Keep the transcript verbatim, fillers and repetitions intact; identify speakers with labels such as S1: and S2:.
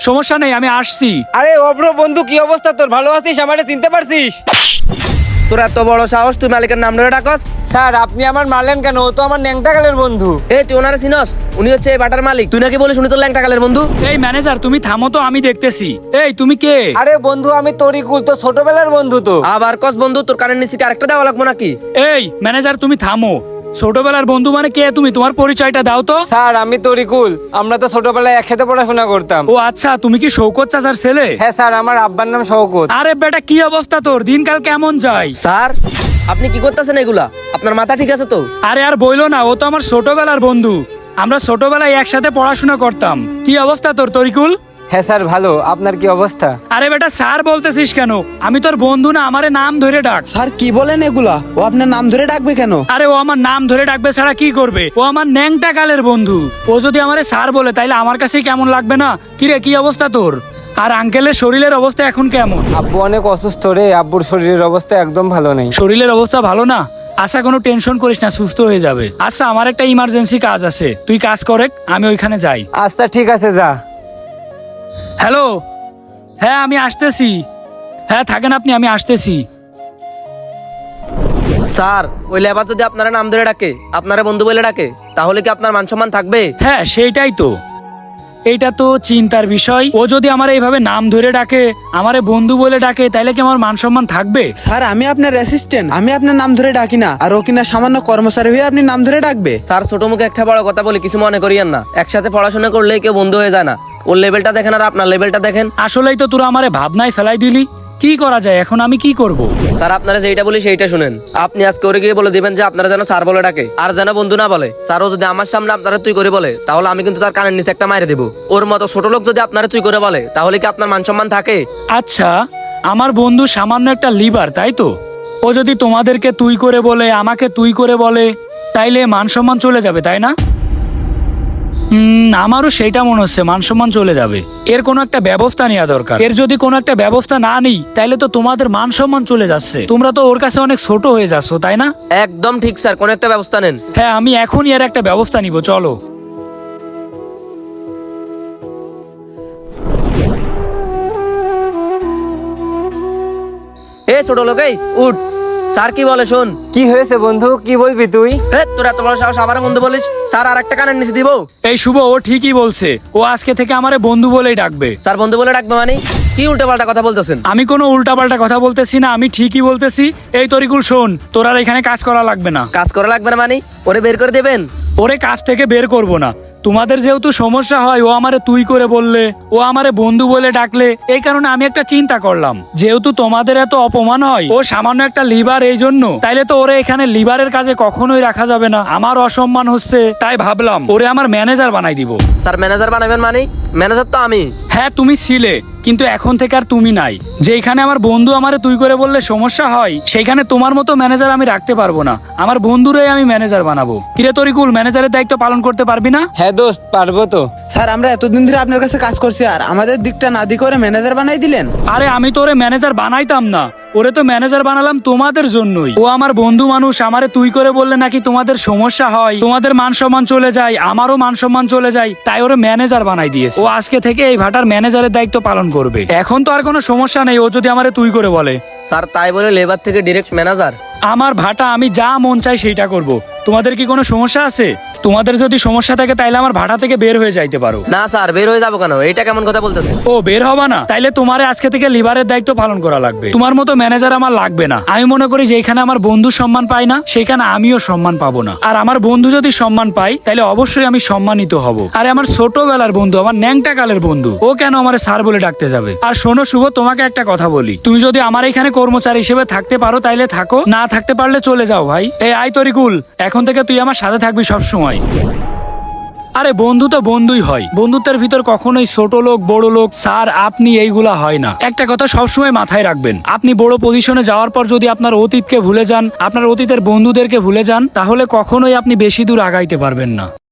S1: সমস্যা নেই, আমি আসছি।
S2: আরে অব্র বন্ধু, কি অবস্থা তোর? ভালো আছিস? আমারে চিনতে পারছিস?
S3: তোর এত বড় সাহস, তুই মালিকের নাম ধরে ডাকস?
S2: স্যার আপনি আমার মারলেন কেন? ও তো আমার ন্যাংটাকালের বন্ধু।
S3: এই তুই ওনারে চিনস? উনি হচ্ছে এই বাটার মালিক। তুই নাকি বলিস উনি তোর ল্যাংটাকালের বন্ধু?
S1: এই ম্যানেজার, তুমি থামো তো, আমি দেখতেছি। এই তুমি কে?
S2: আরে বন্ধু, আমি তরিকুল, তো ছোটবেলার বন্ধু। তো
S3: আবার কস বন্ধু? তোর কানের নিচে কি আরেকটা দেওয়া লাগবো নাকি?
S1: এই ম্যানেজার, তুমি থামো। ছোটবেলার বন্ধু মানে কে? তুমি তোমার পরিচয়টা দাও তো।
S2: স্যার আমি তরিকুল, আমরা তো ছোটবেলায় একসাথে পড়াশোনা করতাম।
S1: ও আচ্ছা, তুমি কি শৌকত চাচার ছেলে?
S2: হ্যাঁ স্যার, আমার আব্বার নাম শওকত।
S1: আরে বেটা, কি অবস্থা তোর? দিনকাল কেমন যায়?
S3: স্যার আপনি কি করতেছেন এগুলা? আপনার মাথা ঠিক আছে তো?
S1: আরে আর বইলো না, ও তো আমার ছোটবেলার বন্ধু। আমরা ছোটবেলায় একসাথে পড়াশোনা করতাম। কি অবস্থা তোর তরিকুল?
S2: হ্যাঁ স্যার ভালো, আপনার কি অবস্থা?
S1: আরে বেটা, স্যার বলতেছিস কেন? আমি তোর বন্ধু না, আমারে নাম ধরে ডাক।
S4: স্যার কি বলেন এগুলা? ও আপনার নাম ধরে ডাকবে কেন?
S1: আরে ও আমার নাম ধরে ডাকবে ছাড়া কি করবে? ও আমার ন্যাংটা কালের বন্ধু। ও যদি আমারে স্যার বলে তাইলে আমার কাছে কেমন লাগবে না? কিরে, কি অবস্থা তোর? আর আঙ্কেলের শরীরের অবস্থা এখন কেমন?
S2: আব্বু অনেক অসুস্থ রে, আব্বুর শরীরের অবস্থা একদম ভালো নেই।
S1: শরীরের অবস্থা ভালো না? আচ্ছা, কোনো টেনশন করিস না, সুস্থ হয়ে যাবে। আচ্ছা, আমার একটা ইমার্জেন্সি কাজ আছে, তুই কাজ করে, আমি ওইখানে যাই।
S2: আচ্ছা ঠিক আছে, যা।
S1: হ্যালো, হ্যাঁ আমি আসতেছি। হ্যাঁ থাকেন আপনি, আমি আসতেছি।
S3: স্যার ওই লেবার যদি আপনারা নাম ধরে ডাকে, আপনারা বন্ধু বলে ডাকে, তাহলে কি আপনার মান সম্মান থাকবে?
S1: হ্যাঁ সেইটাই তো, এইটা তো চিন্তার বিষয়। ও যদি আমার এইভাবে নাম ধরে ডাকে, আমারে বন্ধু বলে ডাকে, তাইলে কি আমার মান সম্মান থাকবে?
S4: স্যার আমি আপনার অ্যাসিস্ট্যান্ট, আমি আপনার নাম ধরে ডাকি না। আর ও কিনা সামান্য কর্মচারী হয়ে আপনি নাম ধরে ডাকবে?
S3: স্যার ছোট মুখে একটা বড় কথা বলি, কিছু মনে করিয়েন না। একসাথে পড়াশোনা করলে কেউ বন্ধু হয়ে যায় না। ওর লেভেলটা দেখেন আর আপনার লেভেলটা দেখেন।
S1: আসলেই তো তোরা আমারে ভাবনায় ফেলাই দিলি। কি করা যায় এখন? আমি কি করব?
S3: স্যার আপনারা যেটা বলি সেইটা শুনেন। আপনি আজকে ওরে গিয়ে বলে দিবেন যে আপনারা যেন স্যার বলে ডাকে, আর যেন বন্ধু না বলে। স্যারও যদি আমার সামনে আপনারা তুই করে বলে, তাহলে আমি কিন্তু তার কানের নিচে একটা মাইরে দেবো। ওর মতো ছোট লোক যদি আপনারা তুই করে বলে, তাহলে কি আপনার মান সম্মান থাকে?
S1: আচ্ছা, আমার বন্ধু সামান্য একটা লিভার, তাই তো? ও যদি তোমাদেরকে তুই করে বলে, আমাকে তুই করে বলে, তাইলে মান সম্মান চলে যাবে, তাই না? হুম, আমারও সেইটা মনে হচ্ছে, মান সম্মান চলে যাবে। এর কোনো একটা ব্যবস্থা নেওয়া দরকার। এর যদি কোনো একটা ব্যবস্থা না নিই, তাইলে তো তোমাদের মান সম্মান চলে যাচ্ছে। তোমরা তো ওর কাছে অনেক ছোট হয়ে যাচ্ছ, তাই না?
S3: একদম ঠিক স্যার, কোন একটা ব্যবস্থা নেন।
S1: হ্যাঁ, আমি এখনই এর একটা ব্যবস্থা নিব, চলো।
S3: এ ছোট লোক, এই উঠ। স্যার কি বলে শোন।
S2: কি হয়েছে বন্ধু, কি বলবি তুই?
S3: হে তোর এত বড় সাহস, আবার বন্ধু বলিস? স্যার আর একটা কানের নিচে দিব?
S1: এই শুভ, ও ঠিকই বলছে। ও আজকে থেকে আমারে বন্ধু বলেই ডাকবে।
S3: স্যার বন্ধু বলে ডাকবে মানে? কি উল্টো পাল্টা কথা বলতেছেন?
S1: আমি কোনো উল্টাপাল্টা কথা বলতেছি না, আমি ঠিকই বলতেছি। এই তরিকুল শোন, তোর আর এখানে কাজ করা লাগবে না।
S3: কাজ করা লাগবে না মানে? ওরে বের করে দেবেন?
S1: ওরে কাজ থেকে বের করব না। তোমাদের যেহেতু সমস্যা হয়, ও আমারে তুই করে বললে, ও আমারে বন্ধু বলে ডাকলে, এই কারণে আমি একটা চিন্তা করলাম, যেহেতু তোমাদের এত অপমান হয়, ও সামান্য একটা লিভার, এই জন্য, তাইলে তো ওরে এখানে লিভারের কাজে কখনোই রাখা যাবে না। আমার অসম্মান হচ্ছে, তাই ভাবলাম ওরে আমার ম্যানেজার বানাই দিব।
S3: স্যার ম্যানেজার বানাবেন মানে? ম্যানেজার তো আমি।
S1: হ্যাঁ তুমি ছিলে, কিন্তু এখন থেকে আর তুমি নাই। যেখানে আমার বন্ধু আমারে তুই করে বললে সমস্যা হয়, সেইখানে তোমার মতো ম্যানেজার আমি রাখতে পারবো না। আমার বন্ধুরাই আমি ম্যানেজার বানাবো। কিরে তরিকুল, ম্যানেজারের দায়িত্ব পালন করতে পারবি না?
S2: হ্যাঁ দোস্ত, পারবো তো।
S4: স্যার আমরা এতদিন ধরে আপনার কাছে কাজ করছি, আর আমাদের দিকটা না দি করে ম্যানেজার বানাই দিলেন?
S1: আরে আমি তো ওরে ম্যানেজার বানাইতাম না, ওরে তো ম্যানেজার বানালাম তোমাদের জন্যই। ও আমার বন্ধু মানুষ, আমারে তুই করে বললে নাকি তোমাদের সমস্যা হয়, তোমাদের মান সম্মান চলে যায়, আমারও মান সম্মান চলে যায়, তাই ওরে ম্যানেজার বানাই দিয়েছে। ও আজকে থেকে এই ভাটার ম্যানেজারের দায়িত্ব পালন করবে। এখন তো আর কোনো সমস্যা নেই, ও যদি আমারে তুই করে বলে।
S3: স্যার তাই বলে লেবার থেকে ডিরেক্ট ম্যানেজার?
S1: আমার ভাটা, আমি যা মন চাই সেইটা করব। তোমাদের কি কোনো সমস্যা আছে? তোমাদের যদি সমস্যা থাকে, তাইলে আমার ভাটা থেকে বের হয়ে যাইতে পারো।
S3: না স্যার, বের হয়ে যাবো কেন? এটা কেমন কথা বলতেছেন?
S1: ও বের হবা না? তাইলে তোমারে আজকে থেকে লিভারের দায়িত্ব পালন করা লাগবে। তোমার মতো ম্যানেজার আমার লাগবে না। আমি মনে করি যেখানে আমার বন্ধু সম্মান পায় না, সেখানে আমিও সম্মান পাবো না। আর আমার বন্ধু যদি সম্মান পায়, তাইলে অবশ্যই আমি সম্মানিত হব। আরে আমার ছোটবেলার বন্ধু, আমার ন্যাংটা কালের বন্ধু, ও কেন আমার স্যার বলে ডাকতে যাবে? আর শোনো শুভ, তোমাকে একটা কথা বলি, তুমি যদি আমার এখানে কর্মচারী হিসেবে থাকতে পারো, তাইলে থাকো, না থাকতে পারলে চলে যাও ভাই। এই আই তরিকুল, এখন থেকে তুই আমার সাথে থাকবি সব সময়। আরে বন্ধু তো বন্ধুই হয়, বন্ধুত্বের ভিতর কখনোই ছোট লোক বড় লোক স্যার আপনি এইগুলা হয় না। একটা কথা সবসময় মাথায় রাখবেন, আপনি বড় পজিশনে যাওয়ার পর যদি আপনার অতীতকে ভুলে যান, আপনার অতীতের বন্ধুদেরকে ভুলে যান, তাহলে কখনোই আপনি বেশি দূর আগাইতে পারবেন না।